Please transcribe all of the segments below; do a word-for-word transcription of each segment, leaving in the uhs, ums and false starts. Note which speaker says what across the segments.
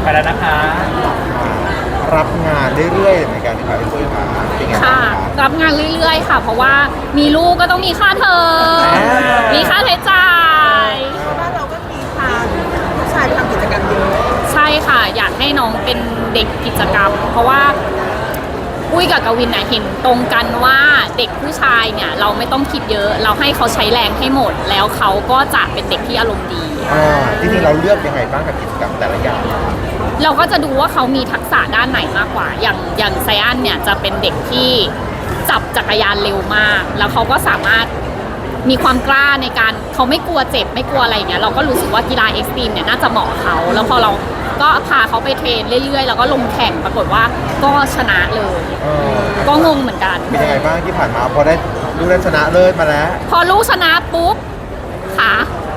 Speaker 1: ไปแล้วนะคะ
Speaker 2: รับงานเรื่อยๆเหมือนกันครับพี่ปุ้ยครับเป็นไงบ้าง
Speaker 3: ค่ะ
Speaker 2: ครับ
Speaker 3: รับงานเรื่อยๆค่ะ เพราะว่ามีลูกก็ต้องมีค่าเทอม
Speaker 2: อ่ามี
Speaker 3: มีค่าใช้จ่าย
Speaker 4: บ้านเราก็มีพาผู้ชายไปทำกิจกรรมเยอะ
Speaker 3: ใช่ค่ะ อยากให้น้องเป็นเด็กกิจกรรม เพราะว่าอุ้ยกับกวินน่ะเห็นตรงกันว่าเด็กผู้ชายเนี่ยเราไม่ต้องคิดเยอะ เราให้เขาใช้แรงให้หมด แล้วเขาก็จะเป็นเด็กที่อารมณ์ดี
Speaker 2: อ่าจริงๆเราเลือกยังไงบ้างกับกิจกรรมแต่ละอย่าง
Speaker 3: เราก็จะดูว่าเขามีทักษะด้านไหนมากกว่า อย่างอย่างไซอันเนี่ยจะเป็นเด็กที่จับจักรยานเร็วมาก แล้วเขาก็สามารถมีความกล้าในการเขาไม่กลัวเจ็บไม่กลัวอะไรอย่างเงี้ย เราก็รู้สึกว่ากีฬาเอ็กซ์ตรีมเนี่ยน่าจะเหมาะเขา แล้วพอเราก็พาเขาไปเทรนเรื่อยๆ แล้วก็ลงแข่งปรากฏว่าก็ชนะเลย
Speaker 2: เออ
Speaker 3: ก็งงเหมือนกัน
Speaker 2: เป็นยังไงบ้างที่ผ่านมาพอได้ดูได้ชนะเลิศมาแล้ว
Speaker 3: พอลูกชนะปุ๊บขา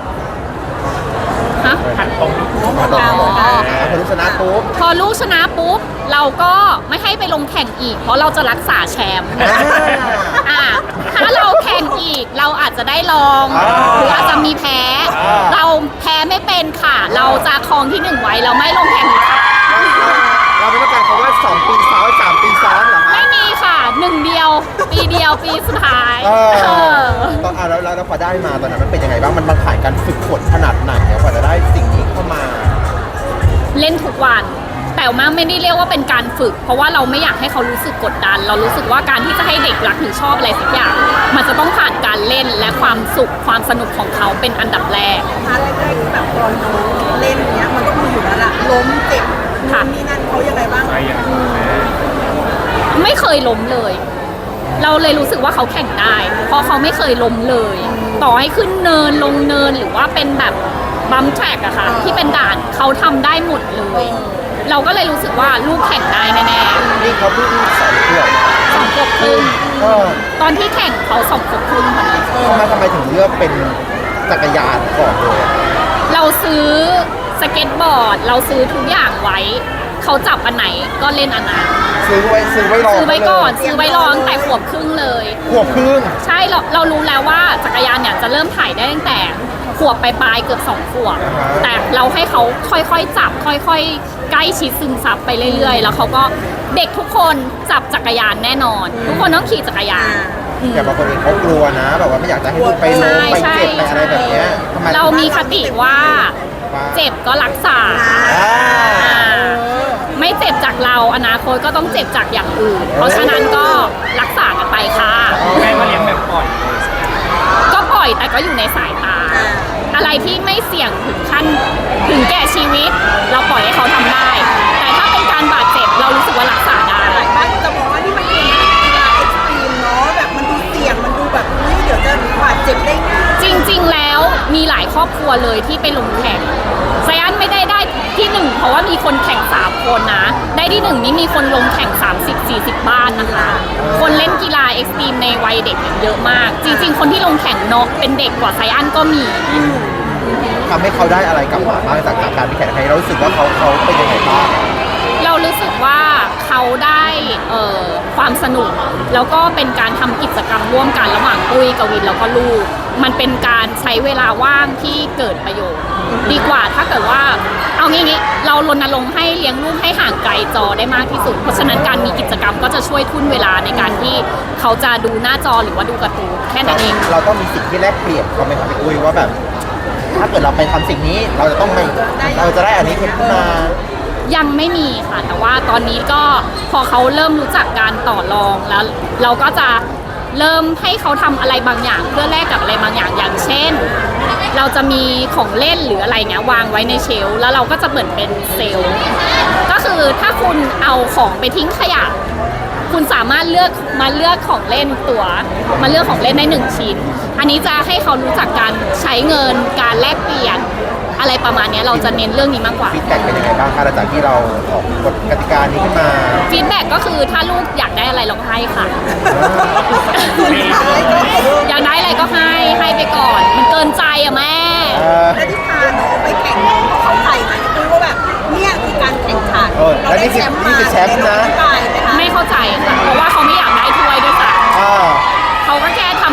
Speaker 3: ฮะ
Speaker 1: หันตรง
Speaker 2: มาต่อ
Speaker 3: อ๋อ
Speaker 2: พอรู้ชนะปุ๊บ
Speaker 3: พอลูกชนะปุ๊บเราก็ไม่ให้ไปลงแข่งอีก เพราะเราจะรักษาแชมป์
Speaker 2: อ่า
Speaker 3: อ่ะถ้าเราแข่งอีกเราอาจจะได้ลอง
Speaker 2: อ่า
Speaker 3: หรืออาจจะมีแพ้
Speaker 2: อ่า
Speaker 3: เราแพ้ไม่เป็นค่ะ เราจะครองที่หนึ่งไว้เราไม่ลงแข่งอีกค่ะ
Speaker 2: เราไม่ต้องการคำว่าสองปีซ้อนสามปีซ้อนเหรอคะ
Speaker 3: ไม่มีค่ะหนึ่งเดียว ปีเดียวปีสุดท้าย
Speaker 2: เออ
Speaker 3: เออ
Speaker 2: ตอนอ่ะแล้วแล้วแล้วพอได้มาตอนนั้นมันเป็นยังไงบ้างมันมันผ่านการฝึกฝนขนาดไหนเนี่ยกว่าจะได้สิ่งนี้เข้ามา
Speaker 3: เล่นทุกวัน แต่ว่าไม่ได้เรียกว่าเป็นการฝึก เพราะว่าเราไม่อยากให้เขารู้สึกกดดัน เรารู้สึกว่าการที่จะให้เด็กรักหรือชอบอะไรสักอย่าง มันจะต้องผ่านการเล่นและความสุขความสนุกของเขาเป็นอันดับแรก
Speaker 4: พาร์ทแรกๆที่แบบตอนน้องเล่นเนี้ยมันก็มีอยู่แล้วล่ะล้มเจ็บ
Speaker 3: ค่ะ
Speaker 4: นู่นนี่นั่นเขายังไงบ้าง
Speaker 1: ไปอย่าง
Speaker 3: ไม่เคยล้มเลย เราเลยรู้สึกว่าเขาแข่งได้ เพราะเขาไม่เคยล้มเลย ต่อให้ขึ้นเนินลงเนินหรือว่าเป็นแบบบัมแทร็กอะค่ะที่เป็นด่านเขาทำได้หมดเลย เราก็เลยรู้สึกว่าลูกแข่งได้แน่
Speaker 2: นี่เขาเพิ่งสองขวบ
Speaker 3: ๆสองขวบครึ่ง
Speaker 2: เออ
Speaker 3: ตอนที่แข่งเขาสองขวบครึ่งพอดี
Speaker 2: ทำไมทำไมถึงเลือกเป็นจักรยานก่อนเลยอะ
Speaker 3: เราซื้อสเก็ตบอร์ด เราซื้อทุกอย่างไว้ เขาจับอันไหนก็เล่นอันนั้น
Speaker 2: ซื้อไว้ซื้อไว้รอ
Speaker 3: ซื้อไว้ก่อน
Speaker 2: เลย
Speaker 3: ซื้อไว้รอตั้งแต่ขวบครึ่งเลย
Speaker 2: ขวบครึ่ง
Speaker 3: ใช่เราเรารู้แล้วว่าจักรยานเนี่ยจะเริ่มถ่ายได้ตั้งแต่ขวบปลายๆเกือบสองขวบ
Speaker 2: อ่าฮะ
Speaker 3: แต่เราให้เขาค่อยๆจับ ค่อยๆ ใกล้ชิดซึมซับไปเรื่อยๆ แล้วเขาก็เด็กทุกคนจับจักรยานแน่นอน ทุกคนต้องขี่จักรยานอืม
Speaker 2: อย่างบางคนเองเขากลัวนะ แบบว่าไม่อยากจะให้ลูกไปล้มไป
Speaker 3: ใช่
Speaker 2: เจ็บไปอะไรแบบเนี้ยทำไม
Speaker 3: เรามีคติว่าเจ็บก็รักษา
Speaker 2: อ่า
Speaker 3: อ่าไม่เจ็บจากเราอนาคตก็ต้องเจ็บจากอย่างอื่น เพราะฉะนั้นก็รักษากันไปค่ะ
Speaker 1: แม่ก็เลี้ยงแบบปล่อย
Speaker 3: ก็ปล่อยแต่ก็อยู่ในสายตา อะไรที่ไม่เสี่ยงถึงขั้นถึงแก่ชีวิต เราปล่อยให้เขาทำได้ แต่ถ้าเป็นการบาดเจ็บเรารู้สึกว่ารักษาได้
Speaker 4: หลายบ้านจะบอกว่านี่มันเป็นกีฬาเอ็กซ์ตรีมเนาะแบบมันดูเสี่ยงมันดูแบบเฮ้ยเดี๋ยวจะบาดเจ็บได้ง่าย
Speaker 3: จริงๆ แล้วมีหลายครอบครัวเลยที่ไปลงแข่งไซอันไม่ได้ได้ที่หนึ่งเพราะว่ามีคนแข่งสามคนนะ ได้ที่หนึ่งนี่มีคนลงแข่ง สามสิบสี่สิบ บ้านนะคะ คนเล่นกีฬาเอ็กซ์ตรีมในวัยเด็กเนี่ยเยอะมาก จริงๆ คนที่ลงแข่งเนาะเป็นเด็กกว่าไซอันก็มี
Speaker 2: ทำให้เขาได้อะไรกลับมาบ้างจากการไปแข่งขันเรารู้สึกว่าเขาเขาเป็นยังไงบ้าง
Speaker 3: เรารู้สึกว่าเขาได้เอ่อความสนุก แล้วก็เป็นการทำกิจกรรมร่วมกันระหว่างปุ้ยกวินแล้วก็ลูก มันเป็นการใช้เวลาว่างที่เกิดประโยชน์ ดีกว่าถ้าเกิดว่าเอางี้ๆเรารณรงค์ให้เลี้ยงลูกให้ห่างไกลจอได้มากที่สุด เพราะฉะนั้นการมีกิจกรรมก็จะช่วยทุ่นเวลาในการที่เขาจะดูหน้าจอหรือว่าดูการ์ตูนแค่นั้นเอง
Speaker 2: เราต้องมีสิ่งที่แลกเปลี่ยนเขาไหมครับพี่อุ้ยว่าแบบ ถ้าเกิดเราไปทำสิ่งนี้เราจะต้องไม่เราจะได้อันนี้ขึ้นมา
Speaker 3: ยังไม่มีค่ะ แต่ว่าตอนนี้ก็พอเขาเริ่มรู้จักการต่อรองแล้ว เราก็จะเริ่มให้เขาทำอะไรบางอย่าง เพื่อแลกกับอะไรบางอย่างอย่างเช่น เราจะมีของเล่นหรืออะไรเงี้ยวางไว้ในเชลฟ์แล้วเราก็จะเหมือนเป็นเซลล์ก็คือถ้าคุณเอาของไปทิ้งขยะ คุณสามารถเลือกมาเลือกของเล่นตัว มาเลือกของเล่นได้หนึ่งชิ้น อันนี้จะให้เขารู้จักการใช้เงินการแลกเปลี่ยนอะไรประมาณนี้เราจะเน้นเรื่องนี้มากกว่า
Speaker 2: ฟีดแบ็กเป็นยังไงบ้างคะหลังจากที่เราออกกฎกติกานี้ขึ้นมา
Speaker 3: ฟีดแบ็กก็คือถ้าลูกอยากได้อะไรเราก็ให้ค่ะ อยากได้อะไรก็ให้ให้ไปก่อน มันเกินใจอะแม่
Speaker 2: เออ
Speaker 4: แล้วที่พาน้องไปแข่งน้องเขาเข้าใจไหมคือว่าแบบเนี่ยคือการแข่งขัน
Speaker 2: เออแล้วนี่คือนี่คือแชมป์นะ
Speaker 4: ได้ไหมคะ
Speaker 3: ไม่เข้าใจค่ะ เพราะว่าเขาไม่อยากได้ถ้วยด้วยค่ะ
Speaker 2: อ่า
Speaker 3: เขาก็แค่ทำทำไป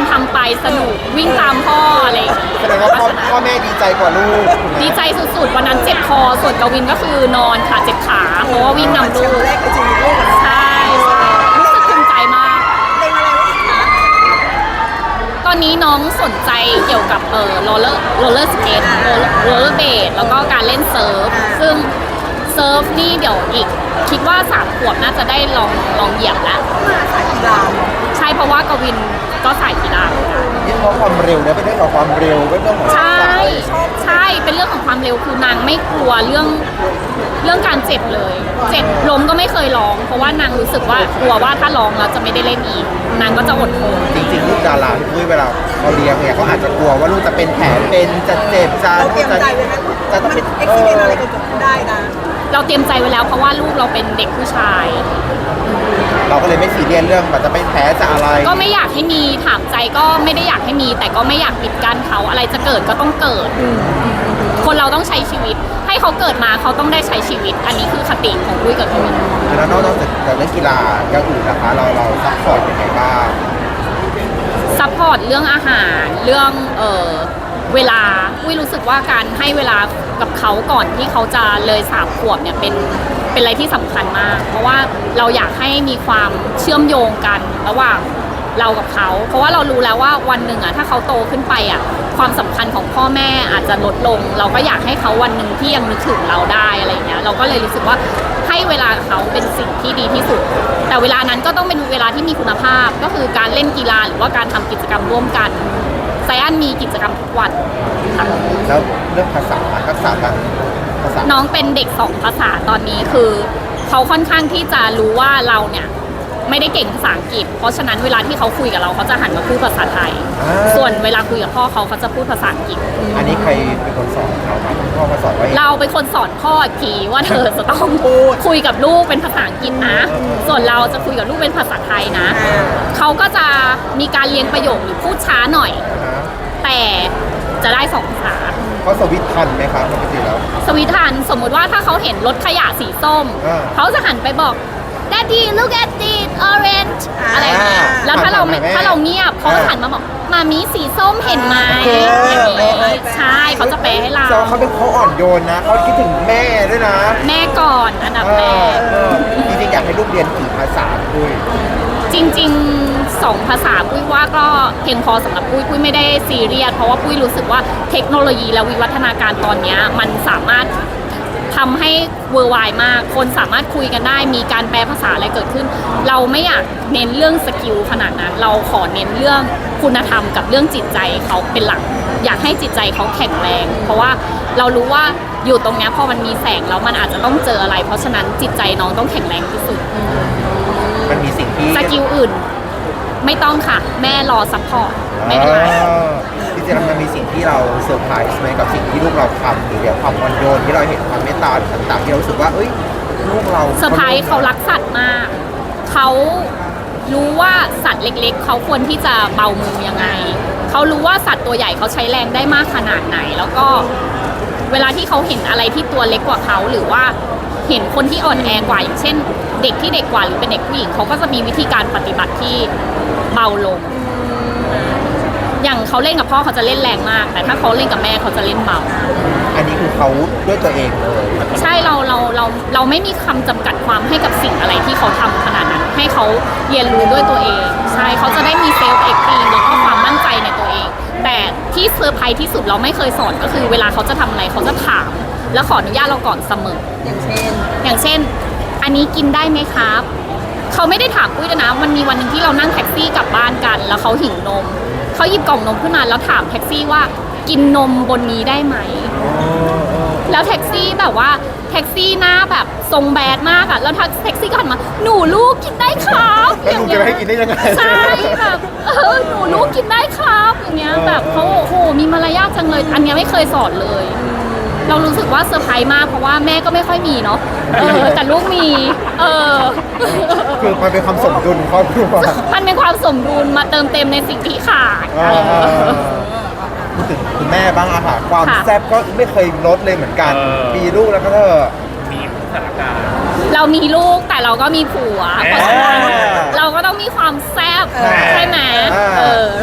Speaker 3: สนุกวิ่งตามพ่ออะไรอย่างเงี้ย
Speaker 2: แสดงว่าพ่อพ่อแม่ดีใจกว่าลูก
Speaker 3: ดีใจสุดๆวันนั้นเจ็บคอส่วนกวินก็คือนอนค่ะเจ็บขาเพราะว่าวิ่งนำ
Speaker 4: แช
Speaker 3: ลู
Speaker 4: ม
Speaker 3: ก
Speaker 4: ป์แรกในชีวิตลูกอะ
Speaker 3: ใช่ใช่รู้สึกภูมิใจมาก
Speaker 4: เล่นอะไรไว้อีกคะ
Speaker 3: ตอนนี้น้องสนใจเกี่ยวกับเออโรลเลอร์โรลเลอร์สเกตโรลเลอร์เบดแล้วก็การเล่นเซิร์ฟซึ่งเซิร์ฟนี่เดี๋ยวอีก คิดว่าสามขวบน่าจะได้ลองลองเหยียบแล้ว
Speaker 4: มาสายกีฬาเนอะ
Speaker 3: ใช่เพราะว่ากวินก็สายกีฬา
Speaker 2: ยิ่งเพราะความเร็วเนี่ยเป็นเรื่องของความเร็วเป็นเรื่องของ
Speaker 3: ใช่
Speaker 2: ทักษะ
Speaker 3: ใช่เป็นเรื่องของความเร็วคือนางไม่กลัวเรื่องเรื่องการเจ็บเลย เจ็บล้มก็ไม่เคยร้อง เพราะว่านางรู้สึกว่ากลัวว่าถ้าร้องแล้วจะไม่ได้เล่นอีกนางก็จะอดทน
Speaker 2: จริงๆลูกดาราที่ปุ้ยเวลาเขาเลี้ยงเนี่ยเขาอาจจะกลัวว่าลูกจะเป็นแผลเป็นจะเจ็บจะ
Speaker 4: เราเตรียม
Speaker 2: จะ
Speaker 4: ใจไว้ไหม
Speaker 2: จะต้อง
Speaker 4: มัน
Speaker 2: เป็น
Speaker 4: เอ็กซิเดนอะไรเกิดขึ้นได้นะ
Speaker 3: เราเตรียมใจไว้แล้วเพราะว่าลูกเราเป็นเด็กผู้ชาย
Speaker 2: เราก็เลยไม่ซีเรียสเรื่องมันจะเป็นแผลจะอะไร
Speaker 3: ก็ไม่อยากให้มีถามใจก็ไม่ได้อยากให้มี แต่ก็ไม่อยากปิดกั้นเขาอะไรจะเกิดก็ต้องเกิด คนเราต้องใช้ชีวิต ให้เขาเกิดมาเขาต้องได้ใช้ชีวิต อันนี้คือคติของปุ้ยกับกวิน
Speaker 2: แล้วนอกจากจากเล่นกีฬาอย่างอื่นนะคะ เราเราซัพพอร์ตยังไงบ้าง
Speaker 3: ซัพพอร์ตเรื่องอาหารเรื่องเออเวลาอุ้ยรู้สึกว่าการให้เวลากับเขาก่อนที่เขาจะเลยสามขวบเนี่ยเป็นเป็นอะไรที่สำคัญมาก เพราะว่าเราอยากให้มีความเชื่อมโยงกันระหว่างเรากับเขา เพราะว่าเรารู้แล้วว่าวันหนึ่งอ่ะถ้าเขาโตขึ้นไปอ่ะความสำคัญของพ่อแม่อาจจะลดลง เราก็อยากให้เขาวันหนึ่งที่ยังนึกถึงเราได้อะไรอย่างเงี้ยเราก็เลยรู้สึกว่าให้เวลาเขาเป็นสิ่งที่ดีที่สุด แต่เวลานั้นก็ต้องเป็นเวลาที่มีคุณภาพก็คือการเล่นกีฬาหรือว่าการทำกิจกรรมร่วมกันไซอันมีกิจกรรมทุกวันค่ะ
Speaker 2: แล้วเรื่องภาษาทักษะการภาษา
Speaker 3: น้องเป็นเด็กสองภาษาตอนนี้คือเขาค่อนข้างที่จะรู้ว่าเราเนี่ยไม่ได้เก่งภาษาอังกฤษ เพราะฉะนั้นเวลาที่เขาคุยกับเราเขาจะหันมาพูดภาษาไทย ส่วนเวลาคุยกับพ่อเขาเขาจะพูดภาษาอังกฤษ
Speaker 2: อันนี้ใครเป็นคนสอนเขาครับพ่อมาสอนว่า
Speaker 3: เราเป็นคนสอนพ่ออีกทีว่าเธอจะต้องพูดคุยกับลูกเป็นภาษาอังกฤษนะ ส่วนเราจะคุยกับลูกเป็นภาษาไทยนะ เขาก็จะมีการเรียงประโยคหรือพูดช้าหน่อย แต่จะได้สองภาษา
Speaker 2: เขาสวิตช์ทันไหมครับปกติแล้ว
Speaker 3: สวิทันสมมุติว่าถ้าเขาเห็นรถขยะสีส้ม
Speaker 2: อ่า
Speaker 3: เขาจะหันไปบอก Daddy look at it orange อะไรอย่างเงี้ย
Speaker 2: อ่า
Speaker 3: แล้วถ้าเราไม่
Speaker 2: หันมาหาแม่
Speaker 3: ถ้าเราเงียบเขาจะ
Speaker 2: อ่า
Speaker 3: หันมาบอกมามีสีส้มเห็นไหม
Speaker 2: เออ
Speaker 3: อย่าง
Speaker 2: เอ
Speaker 3: นี้
Speaker 2: อเออ
Speaker 3: ใช่เขาจะแปลให้เรา
Speaker 2: แสดงว่าเขาเป็นเขาอ่อนโยนนะเขาคิดถึงแม่ด้วยนะ
Speaker 3: แม่ก่อนอันดับ
Speaker 2: เอ
Speaker 3: แร
Speaker 2: อก เออจริงๆอยากให้ลูกเรียนกี่ภาษาด้วย
Speaker 3: จริงๆสองภาษาปุ้ยว่าก็เพียงพอสำหรับปุ้ยปุ้ยไม่ได้ซีเรียสเพราะว่าปุ้ยรู้สึกว่าเทคโนโลยีและวิวัฒนาการตอนเนี้ยมันสามารถทำให้เวอร์ไวมาก คนสามารถคุยกันได้ มีการแปลภาษาอะไรเกิดขึ้น เราไม่อยากเน้นเรื่องสกิลขนาดนั้น เราขอเน้นเรื่องคุณธรรมกับเรื่องจิตใจเขาเป็นหลัก อยากให้จิตใจเขาแข็งแรง เพราะว่าเรารู้ว่าอยู่ตรงเนี้ยพอมันมีแสงแล้วมันอาจจะต้องเจออะไร เพราะฉะนั้นจิตใจน้องต้องแข็งแรงที่สุด
Speaker 2: มันมีสิ่งที่
Speaker 3: สกิลอื่น ไม่ต้องค่ะ แม่รอซัพพอร์ตไม่เป็นไร
Speaker 2: อ๋อจริงๆแล้วมันมีสิ่งที่เราเซอร์ไพรส์ไหมกับสิ่งที่ลูกเราทำหรือเดี๋ยวความอ่อนโยนที่เราเห็นความเมตตาต่างๆที่เรารู้สึกว่าเอ้ยลูกเรา
Speaker 3: เซอร์ไพรส์เขารักสัตว์มาก เขารู้ว่าสัตว์เล็กๆ เขาควรที่จะเบามือยังไง เขารู้ว่าสัตว์ตัวใหญ่เขาใช้แรงได้มากขนาดไหน แล้วก็เวลาที่เขาเห็นอะไรที่ตัวเล็กกว่าเขาหรือว่าเห็นคนที่อ่อนแอกว่าอย่างเช่น เด็กที่เด็กกว่าหรือเป็นเด็กผู้หญิงเขาก็จะมีวิธีการปฏิบัติที่เบาลง อย่างเขาเล่นกับพ่อเขาจะเล่นแรงมาก แต่ถ้าเขาเล่นกับแม่เขาจะเล่นเบา
Speaker 2: อันนี้คือเขาด้วยตัวเองเลย
Speaker 3: ใช่เราเราเราเราไม่มีคำจำกัดความให้กับสิ่งอะไรที่เขาทำขนาดนั้น ให้เขาเรียนรู้ด้วยตัวเอง ใช่เขาจะได้มีเซลฟ์เอ็กซ์ตรีมแล้วก็ความมั่นใจในตัวเอง แต่ที่เซอร์ไพรส์ที่สุดเราไม่เคยสอนก็คือเวลาเขาจะทำอะไรเขาจะถาม แล้วขออนุญาตเราก่อนเสมอ
Speaker 4: อย่างเช่น
Speaker 3: อย่างเช่น อันนี้กินได้ไหมครับ เขาไม่ได้ถามปุ้ยด้วยนะ มันมีวันหนึ่งที่เรานั่งแท็กซี่กลับบ้านกัน แล้วเขาหิวนม เขาหยิบกล่องนมขึ้นมาแล้วถามแท็กซี่ว่ากินนมบนนี้ได้ไหม แล้วแท็กซี่แบบว่าแท็กซี่หน้าแบบทรงแบดมากอะแล้วแท็กซี่ก็หันมาหนูลูกกินได้ครับ
Speaker 2: แล้วลุงจะไม่ให้กินได้ยังไง
Speaker 3: ใช่แบบเออหนูลูกกินได้ครับอย่างเงี้ยแบบเขาโอ้โหมีมารยาทจังเลย อันเนี้ยไม่เคยสอนเลย เรารู้สึกว่าเซอร์ไพรส์มากเพราะว่าแม่ก็ไม่ค่อยมีเนาะเออแต่ลูกมีเออ
Speaker 2: คือมันเป็นความสมดุลของครอบครัว
Speaker 3: มันเป็นความสมดุลมาเติมเต็มในสิ่งที่ขาด
Speaker 2: อ่าพูดถึงคุณแม่บ้างอะค่ะความ
Speaker 3: ค่ะ
Speaker 2: แซ่บก็ไม่เคยลดเลยเหมือนกัน
Speaker 1: เออ
Speaker 2: มีลูกแล้วก็เธอะ
Speaker 1: มีสถานการณ์
Speaker 3: เรามีลูกแต่เราก็มีผัว เพราะฉะนั้น
Speaker 2: อ่า
Speaker 3: เราก็ต้องมีความแซ่บ
Speaker 2: อ่า
Speaker 3: ใช่ไหม
Speaker 2: อ่า
Speaker 3: เออเราก็ต้องรัก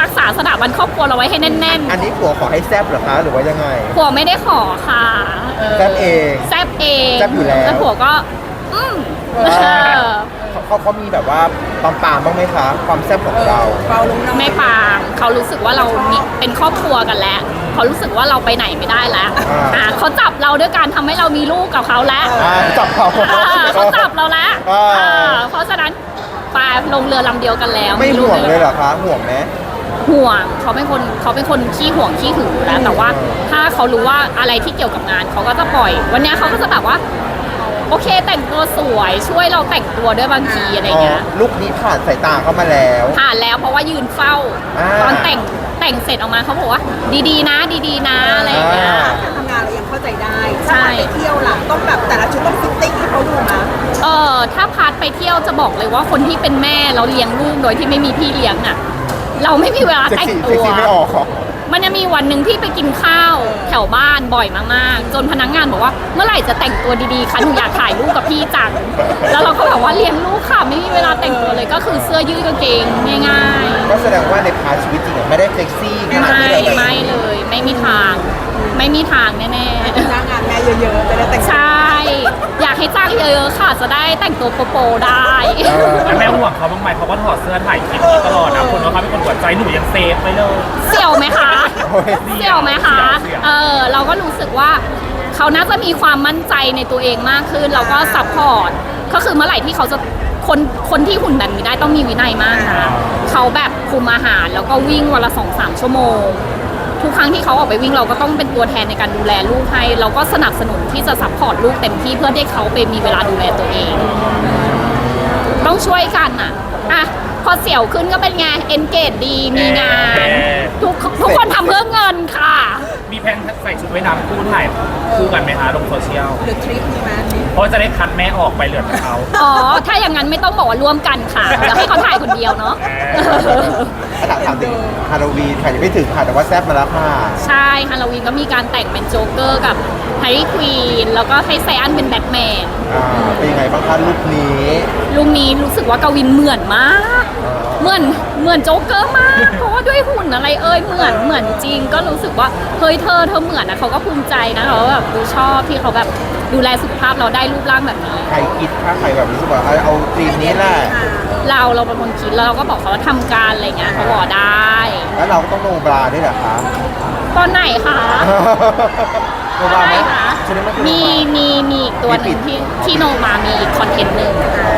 Speaker 3: กษาสถาบันครอบครัวเราไว้ให้แน่น
Speaker 2: อันนี้ผัวขอให้แซบเหรอคะหรือว่ายังไง
Speaker 3: ๆผัวไม่ได้ขอค่ะ
Speaker 2: แซบเอง
Speaker 3: แซบเอง
Speaker 2: แซ่บอยู่แล้ว
Speaker 3: ผัวก็ อืม
Speaker 2: อ่า
Speaker 3: เออ
Speaker 2: เขาเขาเขามีแบบว่าปามปามๆบ้างไหมคะ ความแซบของเรา
Speaker 4: เบาลงหน่อย
Speaker 3: ไม่ปางเขารู้สึกว่าเรามีเป็นครอบครัวกันแล้วเขารู้สึกว่าเราไปไหนไม่ได้แล้ว
Speaker 2: อ่า
Speaker 3: อ่าเขาจับเราด้วยการทำให้เรามีลูกกับเขาแล้ว
Speaker 2: อ่าจับเขา
Speaker 3: อ่าเขาจับเราแล้ว
Speaker 2: อ่า
Speaker 3: อ่าเพราะฉะนั้นไปลงเรือลำเดียวกันแล้ว
Speaker 2: ไม่ห่วงเลยเหรอคะห่วงไหม
Speaker 3: ห่วงเขาเป็นคนเขาเป็นคนขี้ห่วงขี้หึงอยู่แล้วแต่ว่าถ้าเขารู้ว่าอะไรที่เกี่ยวกับงานเขาก็จะปล่อย วันเนี้ยเขาก็จะแบบว่า โอเคแต่งตัวสวยช่วยเราแต่งตัวด้วยบางทีอะไรเงี้ย
Speaker 2: ลูกนี้ผ่านสายตาเข้ามาแล้ว
Speaker 3: ผ่านแล้วเพราะว่ายืนเฝ้า
Speaker 2: อ่า
Speaker 3: ตอนแต่งแต่งเสร็จออกมาเขาบอกว่า ดีๆนะ ดีๆนะอะไรอย่างเงี้ย
Speaker 2: อ่า
Speaker 4: การทำงานเรายังเข้าใจได้
Speaker 3: ใช่
Speaker 4: ถ้าไปเที่ยวล่ะต้องแบบแต่ละชุดต้องฟิตติ้งให้เขาดูนะ
Speaker 3: เออถ้าพาร์ทไปเที่ยวจะบอกเลยว่าคนที่เป็นแม่เราเลี้ยงลูกโดยที่ไม่มีพี่เลี้ยงอ่ะ เราไม่มีเวลา
Speaker 2: เซ็ก
Speaker 3: แต่ง
Speaker 2: ซี่
Speaker 3: ตั
Speaker 2: เซ็ก
Speaker 3: ว
Speaker 2: ซี่ไม่ออกหรอ
Speaker 3: มันจะมีวันหนึ่งที่ไปกินข้าวแถวบ้านบ่อยมากๆ จนพนักงานบอกว่าเมื่อไหร่จะแต่งตัวดีๆคะหนูอยากถ่ายรูปกับพี่จัง แล้วเราก็แบบว่าเลี้ยงลูกค่ะไม่มีเวลาแต่งตัวเลยก็คือเสื้อยืดกางเกงง่าย
Speaker 2: ก็แสดงว่าในพาร์ทชีวิตจริงอะไม่ได้เซ็กซี่ข
Speaker 3: ๆ
Speaker 2: นาด
Speaker 3: ไม่
Speaker 2: ที่เราแบบ
Speaker 3: ไม่เลย ไม่มีทาง ไม่มีทางแน่
Speaker 4: จ้างงานแม่เยอะๆจะได้แต่ง
Speaker 3: ๆ ใช่ อยากให้จ้างเยอะๆค่ะ จะได้แต่งตัวโปๆได้
Speaker 2: เออ
Speaker 1: แล้วแม่ห่วงเขาบ้างไหมเขาก็ถอดเสื้อถ่ายคลิปนี้ตลอดนะคนว่าเขาเป็นคนหัวใจหนูยังเซฟไปเลย
Speaker 3: เสี่ยวไหมคะ
Speaker 2: โอ้ย
Speaker 3: เสี่ยวไหมคะ
Speaker 1: เสี่ยว
Speaker 3: เออ เราก็รู้สึกว่าเขาน่าจะมีความมั่นใจในตัวเองมากขึ้น เราก็ซัพพอร์ต ก็คือเมื่อไหร่ที่เขาจะคนคนที่หุ่นแบบนี้ได้ต้องมีวินัยมากนะเขาแบบคุมอาหารแล้วก็วิ่งวันละสองสามชั่วโมง ทุกครั้งที่เขาออกไปวิ่งเราก็ต้องเป็นตัวแทนในการดูแลลูกให้ เราก็สนับสนุนที่จะซัพพอร์ตลูกเต็มที่เพื่อให้เขาไปมีเวลาดูแลตัวเอง ต้องช่วยกันอ่ะ อ่ะ พอเสี่ยวขึ้นก็เป็นไง เอนเกจดี มีงาน ทุกทุกคนทำเพื่อเงินค่ะ
Speaker 1: มีแพลนใส่ชุดว่ายน้ำคู่ถ่ายคู่กันไหมคะลงโซเชียล
Speaker 4: หรือทริปมีไหม
Speaker 1: เพราะจะได้คัดแม่ออกไปเหลือแต่เขา
Speaker 3: อ๋อ ถ้าอย่างนั้นไม่ต้องบอกว่าร่วมกันค่ะ เดี๋ยวให้เขาถ่ายคนเดียวเนาะ
Speaker 2: ถามถามถึงฮาโลวีนค่ะยังไม่ถึงค่ะแต่ว่าแซบมาแล้วค่ะ
Speaker 3: ใช่ฮาโลวีนก็มีการแต่งเป็นโจ๊กเกอร์กับแฮร์รี่ควีน แล้วก็ให้ไซอันเป็นแบทแมน
Speaker 2: อ่าเป็นยังไงบ้างคะลุคนี้
Speaker 3: ลุงนี้รู้สึกว่ากวินเหมือนมาก เหมือนเหมือนโจ๊กเกอร์มาก เพราะว่าด้วยหุ่นอะไรเอ่ยเหมือนเหมือนจริง ก็รู้สึกว่าเฮ้ยเธอเธอเหมือนนะเขาก็ภูมิใจนะเขาแบบดูชอบที่เขาแบบดูแลสุขภาพเราได้รูปร่างแบบนี้
Speaker 2: ใครคิดถ้าใครแบบรู้สึกว่าเอาเอาธีมนี้แหละ
Speaker 3: เราเราเป็นคนคิดแล้วเราก็บอกเขาว่าทำการอะไรเงี้ยเขาบอกได้
Speaker 2: แล้วเราก็ต้องโนบราด้วยเหรอคะ
Speaker 3: ตอนไหนคะ
Speaker 2: โนบราไหม
Speaker 3: คะ
Speaker 2: ชุดนี้มันคือ
Speaker 3: มีมีมีอีกตัวหนึ่งที่ที่โนมามีอีกคอนเทนต์หนึ่ง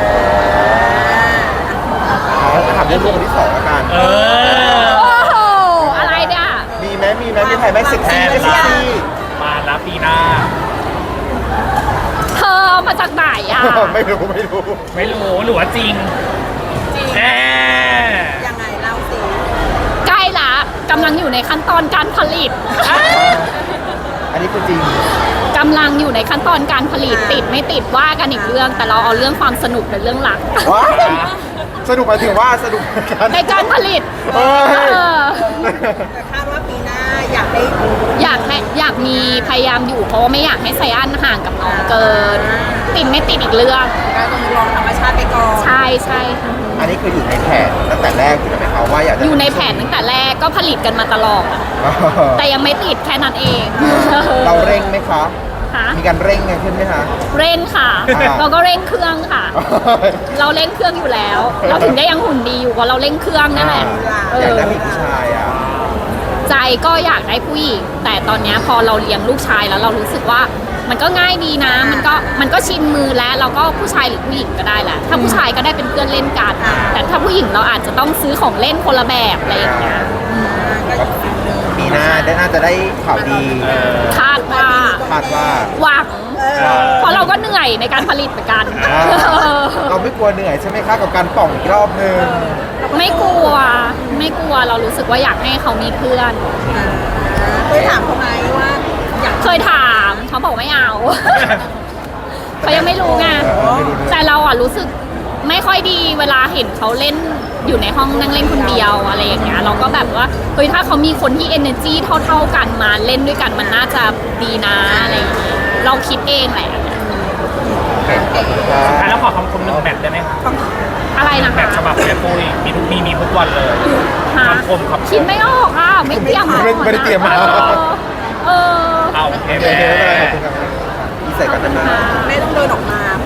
Speaker 2: อ๋อถามเรื่องลูกคนที่สองแล้วกัน
Speaker 1: เออ
Speaker 3: โอ้โหอะไรเนี่ย
Speaker 2: มีไหมมีไหมมีใครไหมเซ็กซี่ไหมเซ็กซี่
Speaker 1: มาแล้วปีหน้า
Speaker 3: เธอเอามาจากไหนอ่ะ
Speaker 2: ไม่รู้ไม่รู้
Speaker 1: ไม่รู้หรือว่าจริงแน่
Speaker 4: ยังไงเล่าสิ
Speaker 3: ใกล้ละกำลังอยู่ในขั้นตอนการผลิต
Speaker 2: อันนี้คือจริง
Speaker 3: กำลังอยู่ในขั้นตอนการผลิตติดไม่ติดว่ากันอีกเรื่อง แต่เราเอาเรื่องความสนุกเป็นเรื่องหลัก
Speaker 2: ว้ายสนุกหมายถึงว่าสนุกในการ
Speaker 3: ในการผลิต
Speaker 2: เอ้ย
Speaker 3: เออ
Speaker 4: แต่คาดว่าปีหน้าอยากได้
Speaker 3: อยากให้อยากมีพยายามอยู่เพราะว่าไม่อยากให้ไซอันห่างกับน้องเกิน ติดไม่ติดอีกเรื่อง
Speaker 4: การต้องลองธรรมชาติไปก่อน
Speaker 3: ใช่ใช่ค่ะ
Speaker 2: อันนี้คืออยู่ในแผนตั้งแต่แรกอยู่แล้วไหมคะว่าอยากจะ
Speaker 3: อยู่ในแผนตั้งแต่แรกก็ผลิตกันมาตลอด
Speaker 2: เออ
Speaker 3: แต่ยังไม่ติดแค่นั้นเอง
Speaker 2: เราเร่งไหมคะ
Speaker 3: ค่ะ
Speaker 2: มีการเร่งกันขึ้นไหมคะ
Speaker 3: เร่งค่ะ
Speaker 2: อ่า
Speaker 3: เราก็เร่งเครื่องค่ะ เราเร่งเครื่องอยู่แล้ว เราถึงได้ยังหุ่นดีอยู่เพราะเราเร่งเครื่องนั่นแหละเอ
Speaker 2: อยาก
Speaker 3: อ
Speaker 2: ได้มีผู้ชายอ่ะ
Speaker 3: ใจก็อยากได้ผู้หญิงแต่ตอนเนี้ยพอเราเลี้ยงลูกชายแล้วเรารู้สึกว่ามันก็ง่ายดีนะ มันก็มันก็ชินมือแล้วเราก็ผู้ชายหรือผู้หญิงก็ได้แหละถ้าผู้ชายก็ได้เป็นเพื่อนเล่นกัน แต่ถ้าผู้หญิงเราอาจจะต้องซื้อของเล่นคนละแบบอะไรอย่างเงี้ย
Speaker 2: มีนาได้น่าจะได้ข่าวดี
Speaker 3: คาดว่า
Speaker 2: คาดว่า
Speaker 3: หวังเพราะเราก็เหนื่อยในการผลิตเหมือนกัน
Speaker 2: อ่าเราไม่กลัวเหนื่อยใช่ไหมคะกับการป่องอีกรอบนึง
Speaker 3: ไม่กลัวไม่กลัวเรารู้สึกว่าอยากให้เขามีเพื่อน
Speaker 4: เคยถามเขาไหมว่าอยาก
Speaker 3: เคยถามเขาบอกไม่เอา เขายังไม่รู้ไง
Speaker 2: เออไม่รู้ด้วย
Speaker 3: แต่เราอ่ะรู้สึกไม่ค่อยดีเวลาเห็นเขาเล่นอยู่ในห้องนั่งเล่นคนเดียวอะไรอย่างเงี้ยเราก็แบบว่าเฮ้ยถ้าเขามีคนที่ energy เท่า ๆกันมาเล่นด้วยกันมันน่าจะดีนะอะไรอย่างเงี้ยเราคิดเองแหละ
Speaker 1: อ่ะแล้วขอคำคมหนึ่งแบบได้ไหมคะ
Speaker 3: อะไรนะ
Speaker 1: แบบ
Speaker 3: คะ
Speaker 1: ฉบับแม่ปุ้ยมีทุกมีมีทุกวันเลย
Speaker 3: ค่ะ
Speaker 1: คำคมครับ
Speaker 3: คิดไม่ออกอ่ะไม่เตรียม
Speaker 2: ไม่ไม่ได้เตรียมมา
Speaker 3: เออเออ
Speaker 1: เอาโอเค
Speaker 2: โอเค
Speaker 1: แม่
Speaker 2: ไม่เป็นไรขอบคุณครับอีใส่กันนานๆ